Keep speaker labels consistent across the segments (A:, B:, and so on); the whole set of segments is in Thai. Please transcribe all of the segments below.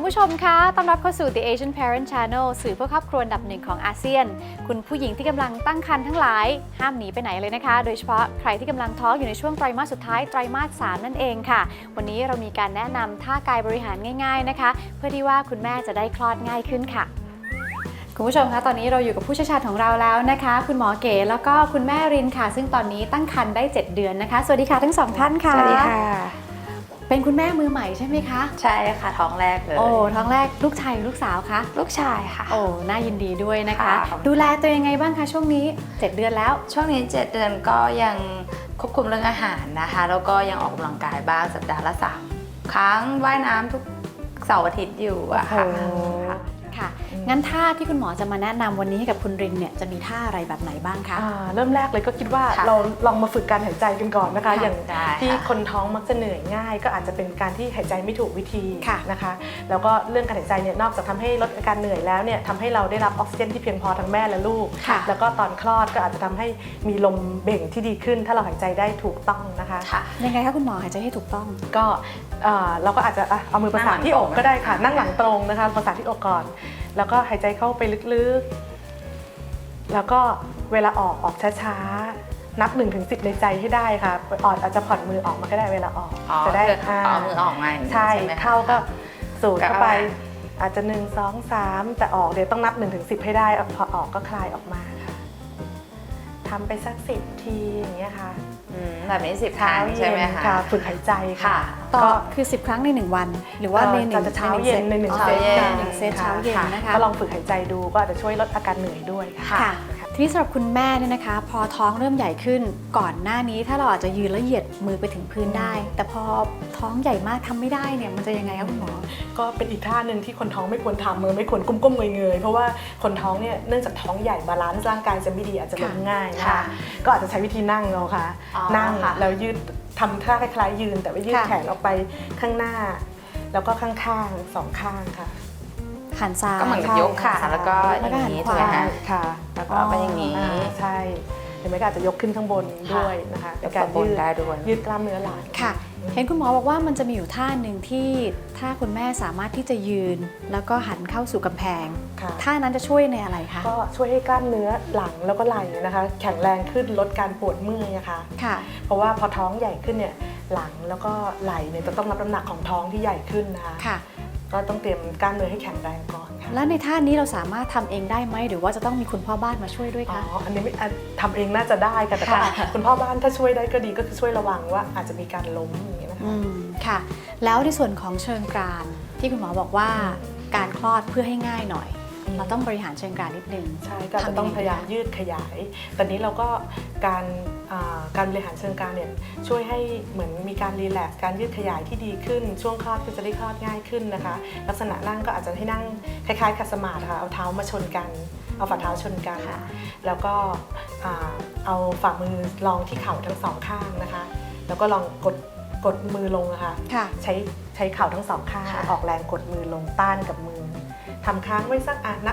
A: ผู้ชมคะต้อนรับเข้าสู่ The Asian Parent Channel สื่อเพื่อครอบครัวอันดับหนึ่งของอาเซียนคุณผู้หญิงที่กำลังตั้งครรภ์ทั้งหลายห้ามหนีไปไหนเลยนะคะโดยเฉพาะใครที่กำลังท้องอยู่ในช่วงไตรมาสสุดท้ายไตรมาส 3นั่นเองค่ะวันนี้เรามีการแนะนำท่ากายบริหารง่ายๆนะคะเพื่อที่ว่าคุณแม่จะได้คลอดง่ายขึ้นค่ะคุณผู้ชมคะตอนนี้เราอยู่กับผู้เชี่ยวชาญของเราแล้วนะคะคุณหมอเก๋แล้วก็คุณแม่รินค่ะซึ่งตอนนี้ตั้งครรภ์ได้7เดือนนะคะสวัสดีค่ะทั้งสองท่านค่ะ
B: สวัสดีค่ะ
A: เป็นคุณแม่มือใหม่ใช่ไหมคะ
B: ใช่ค่ะท้องแรกเลย
A: โอ้ท้องแรกลูกชายลูกสาวคะ
B: ลูกชายค่ะ
A: โอ้น่ายินดีด้วยนะคะดูแลตัวยังไงบ้างคะช่วงนี้7เดือนแล้ว
B: ช่วงนี้7เดือนก็ยังควบคุมเรื่องอาหารนะคะแล้วก็ยังออกกำลังกายบ้างสัปดาห์ละ3 ครั้งว่ายน้ำทุกเสาร์อาทิตย์อยู่อะค่ะ
A: ค่ะงั้นท่าที่คุณหมอจะมาแนะนำวันนี้ให้กับคุณรินเนี่ยจะมีท่าอะไรแบบไหนบ้างคะ
C: เริ่มแรกเลยก็คิดว่าเราลองมาฝึกการหายใจกันก่อนนะคะอย่างที่คนท้องมักจะเหนื่อยง่ายก็อาจจะเป็นการที่หายใจไม่ถูกวิธีนะคะแล้วก็เรื่องการหายใจเนี่ยนอกจากทำให้ลดอาการเหนื่อยแล้วเนี่ยทำให้เราได้รับออกซิเจนที่เพียงพอทั้งแม่และลูกแล้วก็ตอนคลอดก็อาจจะทำให้มีลมเบ่งที่ดีขึ้นถ้าเราหายใจได้ถูกต้องนะคะ
A: ยังไงคะคุณหมอหายใจให้ถูกต้อง
C: ก็เราก็อาจจะเอามือประสานที่อกก็ได้ค่ะนั่งหลังตรงนะคะประสานที่อกก่อนแล้วก็หายใจเข้าไปลึกๆแล้วก็เวลาออกช้าๆนับ 1-10 ในใจให้ได้ค่ะอาจจะผ่อนมือออกมาก็ได้เวลาออก
B: จะได้เอามือออกมา
C: ใช่เข้าก็สูดเข้าไปอาจจะ1 2 3แต่ออกเดี๋ยวต้องนับ 1-10 ให้ได้พอออกก็คลายออกมาค่ะทำไปสัก10 ทีอย่างเงี้ยค่ะ
B: แบบนี้10 ครั้งใช่ไหมคะ
C: ฝึกหายใจค่ะ
A: ก็คือ10 ครั้งใน1วันหรือว่าใน1
C: เช้าเย็นใน1 เซต
A: 1 เซตเช้าเย็นนะคะ
C: ก็ลองฝึกหายใจดูก็อาจจะช่วยลดอาการเหนื่อยด้วย
A: ค่ะทีนี้สำหรับคุณแม่เนี่ยนะคะพอท้องเริ่มใหญ่ขึ้นก่อนหน้านี้ถ้าเราอาจจะยืนแล้วเหยียดมือไปถึงพื้นได้แต่พอท้องใหญ่มากทำไม่ได้เนี่ยมันจะยังไงคะคุณหมอ
C: ก็เป็นอีกท่าหนึ่งที่คนท้องไม่ควรทำไม่ควรก้มๆเงยๆเพราะว่าคนท้องเนี่ยเนื่องจากท้องใหญ่บาลานซ์ร่างกายจะไม่ดีอาจจะล้มง่ายนะคะก็อาจจะใช้วิธีนั่งเอาค่ะนั่งแล้วยืดทำท่าคล้ายๆยืนแต่ว่ายืดแขนออกไปข้างหน้าแล้วก็ข้างๆ2 ข้างค่ะ
A: หันซ้าย
B: ก็เหมือนกับยกขาแล้วก็อย่างนี้ถูกไหมคะ
C: ค่ะ
B: แล้วก็ไปอย่างนี้
C: ใช่หรือไม่ก็อาจจะยกขึ้นข้างบนด้วยนะคะ
B: เป็นการ
C: ยืดกล้ามเนื้อหลัง
A: ค่ะเห็นคุณหมอบอกว่ามันจะมีอยู่ท่าหนึ่งที่ถ้าคุณแม่สามารถที่จะยืนแล้วก็หันเข้าสู่กำแพงท่านั้นจะช่วยในอะไรคะ
C: ก็ช่วยให้กล้ามเนื้อหลังแล้วก็ไหล่นะคะแข็งแรงขึ้นลดการปวดเมื่อยนะคะเพราะว่าพอท้องใหญ่ขึ้นเนี่ยหลังแล้วก็ไหล่เนี่ยจะต้องรับน้ำหนักของท้องที่ใหญ่ขึ้นนะคะก็ต้องเตรียมกล้ามเนื้อให้แข็งแรงก่อนค่ะ
A: แล้วในท่านี้เราสามารถทำเองได้ไหมหรือว่าจะต้องมีคุณพ่อบ้านมาช่วยด้วยคะ
C: อันนี้ทำเองน่าจะได้ค่ะแต่คุณพ่อบ้านถ้าช่วยได้ก็ดีก็คือช่วยระวังว่าอาจจะมีการล้มอย่างนี้นะคะ
A: ค่ะแล้วในส่วนของเชิงกรานที่คุณหมอบอกว่าการคลอดเพื่อให้ง่ายหน่อยเราต้องบริหารเชิงกรานนิดนึง
C: ใช่ก็จะต้องพยายามยืดขยายตอนนี้เราก็การบริหารเชิงกรานเนี่ยช่วยให้เหมือนมีการรีแลกซ์การยืดขยายที่ดีขึ้นช่วงคลอดก็จะได้คลอดง่ายขึ้นนะคะลักษณะนั่งก็อาจจะให้นั่งคล้ายๆขัดสมาธิค่ะเอาเท้ามาชนกันเอาฝ่าเท้าชนกันแล้วก็เอาฝ่ามือรองที่เข่าทั้ง2 ข้างนะคะแล้วก็ลองกดมือลงนะคะใช้เข่าทั้ง2 ข้างออกแรงกดมือลงต้านกับมือทำค้างไว้สักนับ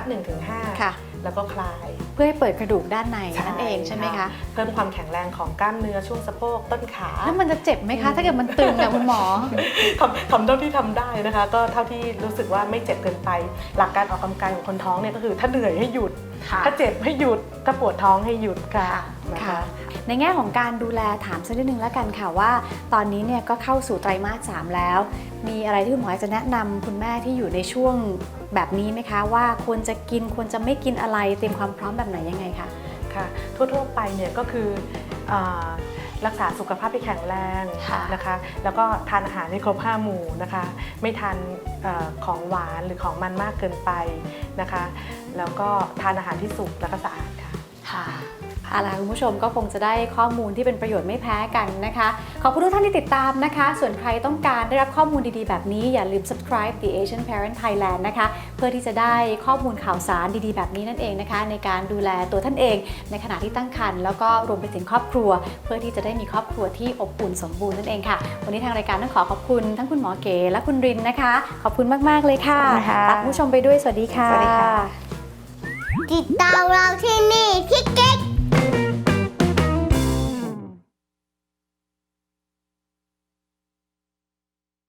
C: 1-5 แล้วก็คลาย
A: เพื่อให้เปิดกระดูกด้านในนั่นเองใช่ไหมคะ
C: เพิ่มความแข็งแรงของกล้ามเนื้อช่วงสะโพกต้นขา
A: แล้วมันจะเจ็บไหมคะถ้าเกิดมันตึงอะคุณหมอ
C: ทำเท่าที่ทำได้นะคะก็เท่าที่รู้สึกว่าไม่เจ็บเกินไปหลักการออกกำลังกายของคนท้องเนี่ยก็คือถ้าเหนื่อยให้หยุดถ้าเจ็บให้หยุดถ้าปวดท้องให้หยุดค่ะนะคะ
A: ในแง่ของการดูแลถามสักนิดนึงแล้วกันค่ะว่าตอนนี้เนี่ยก็เข้าสู่ไตรมาส 3แล้วมีอะไรที่คุณหมอจะแนะนำคุณแม่ที่อยู่ในช่วงแบบนี้ไหมคะว่าควรจะกินควรจะไม่กินอะไรเตรียมความพร้อมแบบไหนยังไงคะ
C: ค่ะทั่วๆไปเนี่ยก็คือรักษาสุขภาพให้แข็งแรงนะคะแล้วก็ทานอาหารให้ครบ5 หมู่นะคะไม่ทานของหวานหรือของมันมากเกินไปนะคะแล้วก็ทานอาหารที่สุกและก็สะอาดค่ะ
A: เอาล่ะคุณผู้ชมก็คงจะได้ข้อมูลที่เป็นประโยชน์ไม่แพ้กันนะคะขอบคุณทุกท่านที่ติดตามนะคะส่วนใครต้องการได้รับข้อมูลดีๆแบบนี้อย่าลืม subscribe The Asian Parent Thailand นะคะเพื่อที่จะได้ข้อมูลข่าวสารดีๆแบบนี้นั่นเองนะคะในการดูแลตัวท่านเองในขณะที่ตั้งครรภ์แล้วก็รวมไปถึงครอบครัวเพื่อที่จะได้มีครอบครัวที่อบอุ่นสมบูรณ์นั่นเองค่ะวันนี้ทางรายการต้องขอบคุณทั้งคุณหมอเก๋และคุณรินนะคะขอบคุณมากๆเลยค่ะลาคุณผู้ชมไปด้วยสวัสดีค่ะ
D: ติดตามเราที่นี่คลิก